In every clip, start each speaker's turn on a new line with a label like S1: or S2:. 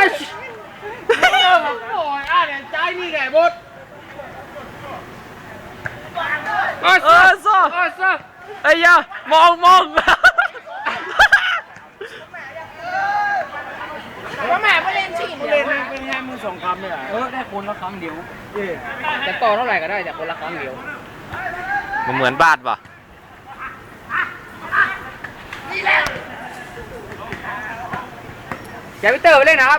S1: โอ้ยเนี่ยใจนี่แกบดโซ่ไอ้ยามอง
S2: ว่าแม่ไม่เล่นฉีดเดียว
S1: เป็นไงมือสองคำเนี่ย
S2: ได้คนละครั้งเดียวจะต่อเท่าไหร่ก็ได้แต่คนละครั้งเดียว
S3: มันเหมือนบาทป่ะ
S2: แกพิเตอร์ไปเล่นนะครับ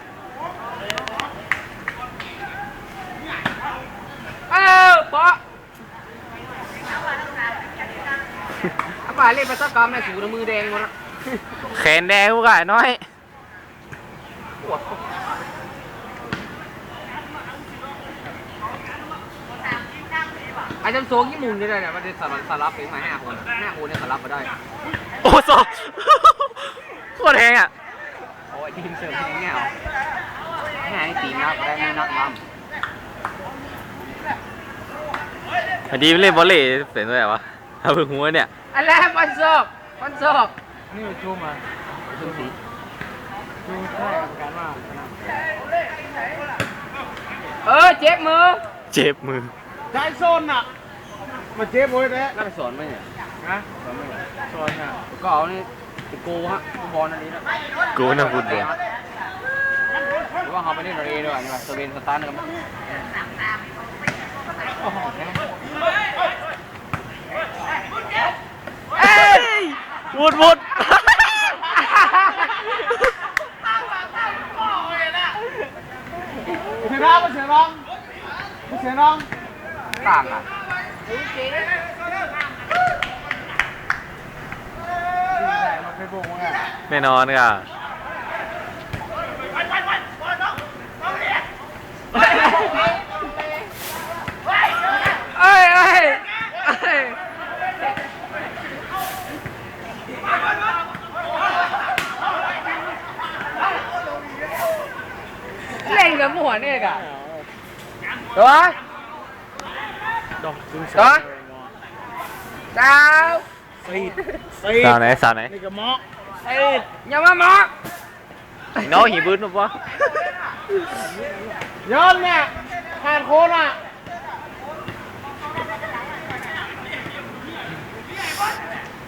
S2: ปะอาป่าเล่นไปสักกรรมแม่สูดมือแดงหมดละ
S3: แขนแดงกูกะน้อย
S2: ไอ้จำโซงยี่มุมนี่ได้เนี่ยมันจะสลับไปมา5 คนเนี่ยสลับมาได้
S3: โอ้โซโคตรแหงอ่ะ
S2: โอ้ยทีมเสิร์ฟทีมเงี้ยเอาให้ตีนักได้ไม่นักมั่ม
S3: พอดีไม่เล่นบอลเล่เป็นด้วยวะเอาเพิ่งหัวเนี่ย
S2: อะไรวันศอก
S1: นี่ชูมา
S2: ชูสี
S1: ชูแค่กันมาก
S2: เจ็บมือ
S3: เจ็บมือ
S1: ใจโซนอ่ะมาเจ็บมวยแท้
S2: น่าไปสอนไหมเนี่ย
S1: นะโซนอ่ะ
S2: ก็เอานี่ติโก้ฮะบอลอันนี้นะ
S3: กูน่าพูดเดียว
S2: หรือว่าเขาไปเล่นเรย์ด้วยนี่ว่าสเวนสตาร์นะครับ
S3: วุด
S1: เสียน้อง
S2: ต่างอ่ะ
S1: มาไปบุกมั้งอ่ะ
S3: แน่นอนค่ะ
S2: เล่นกับหมวนเนี่ยกะตัว
S1: ดอกจึง
S2: เจ้า
S3: สาวไหน
S1: นี่ก็เหมาะ
S2: อย่ามาหมอ
S3: น้องหีบื้นปะ
S1: ย้อนเนี่ยผ่านโคนอ่ะ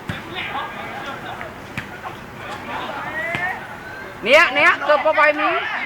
S2: เนี่ยเกือบไปมี